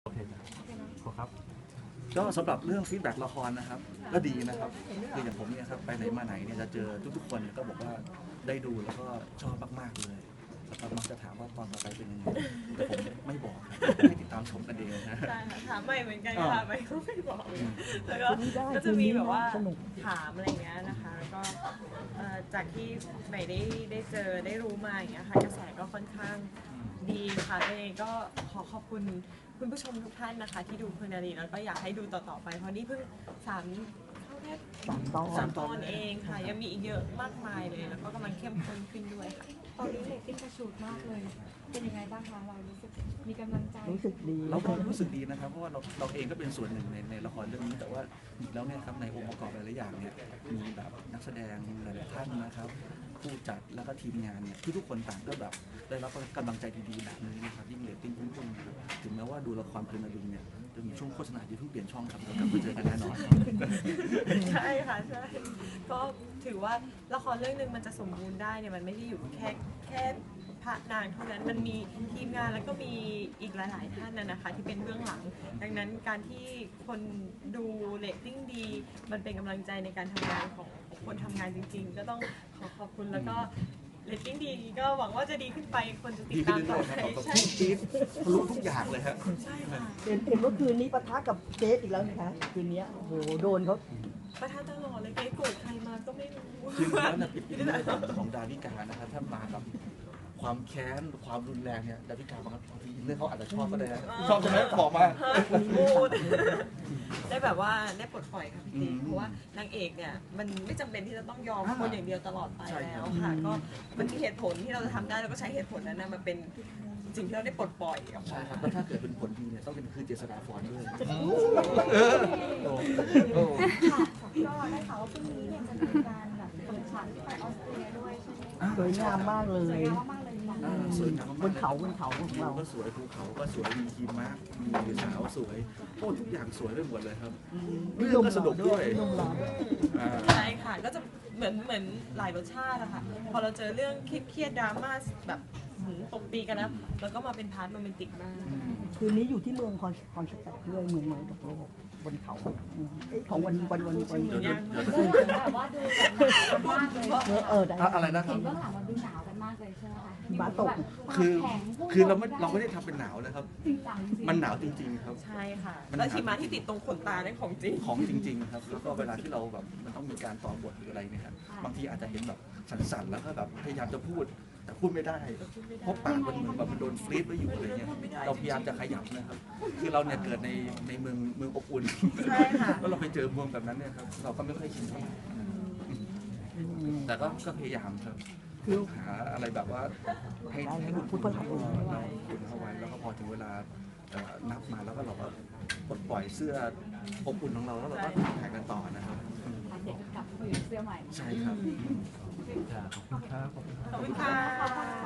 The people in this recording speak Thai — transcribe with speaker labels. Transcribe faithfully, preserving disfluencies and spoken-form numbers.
Speaker 1: โอเคจ้ะขอครับ
Speaker 2: ก็สำหรับเรื่องฟีดแบ็กละครนะครับก็ดีนะครับคืออย่างผมเนี่ยครับไปไหนมาไหนเนี่ยจะเจอทุกๆคนก็บอกว่าได้ดูแล้วก็ชอบมากๆเลยแล้วก็มักจะถามว่าตอนต่อไปเป็นยังไงแต่ผมไม่บอกครับให้ติดตามชมกันเองนะ
Speaker 3: ใช่ค่ะถามใหม่เหมือนกันค่ะใหม่ก็ไม่บอกแล้วก็ก็จะมีแบบว่าถามอะไรเงี้ยนะคะแล้วก็จากที่ใหม่ได้ได้เจอได้รู้มาอย่างเงี้ยค่ะกระแสก็ค่อนข้างดีค่ะตัวเองก็ขอขอบคุณคุณผู้ชมทุกท่านนะคะที่ดูเพลินนารีแล้วก็อยากให้ดูต่อๆไปเพราะนี่เพิ่งสามเข้าแค่สามตอนสามตอนเองค่ะยังมีอีกเยอะมากมายเลยแล้วก็กำลังเข้มข้นขึ้นด้วยค่ะ
Speaker 4: ตอนนี้เรตติ้งกระฉูดมากเลยเป็นยังไงบ้างคะเรารู้สึกมีกำลังใจ
Speaker 5: รู้สึกดี
Speaker 2: เราก็รู้สึกดีนะครับเพราะว่าเราเราเองก็เป็นส่วนหนึ่งในในละครเรื่องนี้แต่ว่าอีกแล้วเนี่ยครับในองค์ประกอบหลายๆอย่างเนี่ยมีแบบนักแสดงหลายๆท่านนะครับผู้จัดแล้วก็ทีมงานเนี่ยทุกๆคนต่างก็แบบได้รับกำลังใจดีๆแบบนี้นะครับยิ่งเรตติ้งพุ่งๆนะครับถึงแม้ว่าดูละครเพลินนารีเนี่ยจะมีช่วงโฆษณาที่เพิ่งเปลี่ยนช่องครับเรากลับมาเจอกันแน่นอน
Speaker 3: ใช่ค่ะใช่ก็ถือว่าละครเรื่องนึงมันจะสมบูรณ์ได้เนี่ยมันไม่ได้อยู่แค่แค่พระนางเท่านั้นมันมีทีมงานแล้วก็มีอีกหลายๆท่านนะนะคะที่เป็นเบื้องหลังดังนั้นการที่คนดูเรตติ้งดีมันเป็นกำลังใจในการทำงานของคนทำงานจริงๆก็ต้องขอขอบคุณแล้วก็เรตติ้งดีก็หวังว่าจะดีขึ้นไปคนจะติดตามต่อไปใช่
Speaker 2: ทีมทะลุทุกอย่างเลยครับ
Speaker 3: ใช่ค่ะ
Speaker 5: เห็นเห็นว่าคืนนี้ปะทะกับเจสอีกแล้วนะคะคืนนี้โอ้โหโดนเขา
Speaker 3: ประทานตลอดเลยเกรโกรธใครมาก็ไม่รู้
Speaker 2: คือแล้วเนี่ยเป็นเรื่องของดาวิกานะครับถ้ามากับความแค้นความรุนแรงเนี่ยดาวิกาบางทีเรื่องเขาอาจจะชอบก็ได้ชอบใช่ไหมบอกมา
Speaker 3: พูดได้แบบว่าได้ปลดปล่อยค่ะพี่เพราะว่านางเอกเนี่ยมันไม่จำเป็นที่จะต้องยอมคนอย่างเดียวตลอดไปแล้วค่ะก็มันมีเหตุผลที่เราจะทำได้เราก็ใช้เหตุผลนั้นมาเป็นสิ่งที่เราได้ปลดปล่อย
Speaker 2: ใช่ครับแล้วถ้าเกิดเป็นผลดีเนี่ยต้องเป็นคือเจษฎาพรด้วย
Speaker 4: ค่ะก็ได้ข่าวว่าพรุ่งนี้เนี่ยจะมีการแบบเปิดฉากที่ไปออสเตรียด้วยใช่ไหม
Speaker 5: สวยงามมากเลย
Speaker 4: สวยงามมากเลย
Speaker 2: สวยงาม
Speaker 5: บนเขาบนเขาของเรา
Speaker 2: ก็สวยภูเขาก็สวยมีหิมะมีสาวสวยโอ้ทุกอย่างสวยไปหมดเลยครับเรื่องก็สนุกด้วย
Speaker 3: ใช่ค่ะก็จะเหมือนเหมือนหลายรสชาติอะค่ะพอเราเจอเรื่องเครียดดราม่าแบบตบตีกันนะแล้วก็มาเป็นพาร์ทโรแมนติกมาก
Speaker 5: คืนนี้อยู่ที่เมืองคอนคอนสแตนต์ด้วยเมืองเหมือนกับโลกบนเขาของวันวันวันวัน
Speaker 4: แบบว่าดูกันมากเลย
Speaker 5: เออ
Speaker 2: อะไรนะครับ
Speaker 4: เห็นเบื้องหลังมันดูหนาวกันมากเลยใช่ไหมคะ
Speaker 5: บ้าตก
Speaker 2: คือคือเราไม่เราไม่ได้ทำเป็นหนาวนะครับมันหนาวจริงๆครับ
Speaker 3: ใช่ค่ะแล้วหิมะที่ติดตรงขนตาเนี่ยของจริง
Speaker 2: ของจริงๆครับแล้วก็เวลาที่เราแบบมันต้องมีการต่อบทหรืออะไรเนี่ยครับบางทีอาจจะเห็นแบบสั่นๆแล้วก็แบบพยายามจะพูดแต่พูดไม่ได้เพราะปากมันเหมือนแบบมันโดนฟรีซไว้อยู่อะไรเงี้ยเราพยายามจะขยับนะครับคือเราเนี่ยเกิดในในเมืองเมืองอบอุ่น
Speaker 3: ใช่ค่ะ
Speaker 2: แล้วเราไปเจอเมืองแบบนั้นเนี่ยครับเราก็ไม่ค่อยชินเท่าไหร่แต่ก็ก็พยายามครับคือหาอะไรแบบว่าให้ให้คุณพูดเราคุณเข้าไว้แล้วก็พอถึงเวลานับมาแล้วก็เราก็ปลดปล่อยเสื้ออบอุ่นของเราแล้วเราก็ถ่ายกันต่อนะครับ
Speaker 4: เด็กกลับไปอยู่เสื้อใหม่
Speaker 2: ใช่ครับ
Speaker 1: ขอบคุณครับ
Speaker 3: ขอบคุณค่ะ